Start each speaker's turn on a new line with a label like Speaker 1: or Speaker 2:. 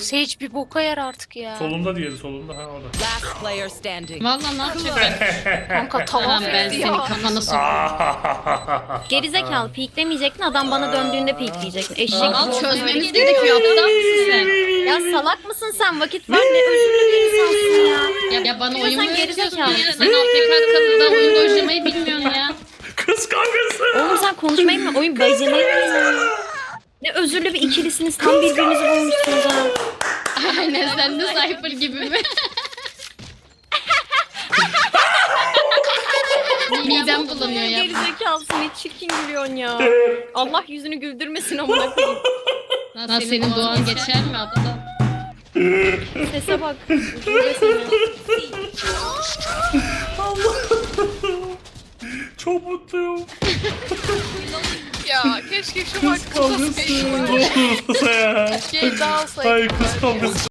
Speaker 1: Sage bir boka yer artık ya.
Speaker 2: Solunda diğeri solunda. Ha orada.
Speaker 3: Last player standing.
Speaker 4: Valla ne yapacak?
Speaker 1: Kanka
Speaker 4: Tamam
Speaker 1: tamam
Speaker 4: ben senin
Speaker 1: ya.
Speaker 4: kafana sokayım.
Speaker 5: Gerizekalı peeklemeyecektin, adam bana döndüğünde peekleyecektin. Eşek.
Speaker 4: Al çözmemiz gerekiyor aptal mısın sen?
Speaker 5: Ya salak mısın sen? Vakit var, ne özürlü bir insansın ya.
Speaker 4: Ya bana
Speaker 5: Ya
Speaker 4: oyun
Speaker 5: sen
Speaker 4: mu öğretiyorsun
Speaker 5: gerizekalı
Speaker 4: ya?
Speaker 5: mısın?
Speaker 4: Sen AFK kalında oyun dojlamayı bilmiyorsun ya.
Speaker 2: Kız kavgası.
Speaker 5: Oğlum sen konuşmayı mı? Oyun beceremeyi mi? Ne özürlü bir ikilisiniz. Tam birbirinizi bulmuşsunuz ha.
Speaker 4: Aynen sen de Cypher gibi mi? Midem bulanıyor ya.
Speaker 5: Gerizekalısın, ne çirkin gülüyorsun ya. Allah yüzünü güldürmesin amına koyayım.
Speaker 4: Lan senin doğan geçer mi aptal?
Speaker 5: Sese bak. Üzülüyor seni.
Speaker 2: Çok mutluyum.
Speaker 1: Ya keşke şu maç
Speaker 2: Kavgası.
Speaker 1: kafasına
Speaker 2: Ne olursa ya.
Speaker 1: Keşke daha olsaydı.
Speaker 2: Ay kız kavgası.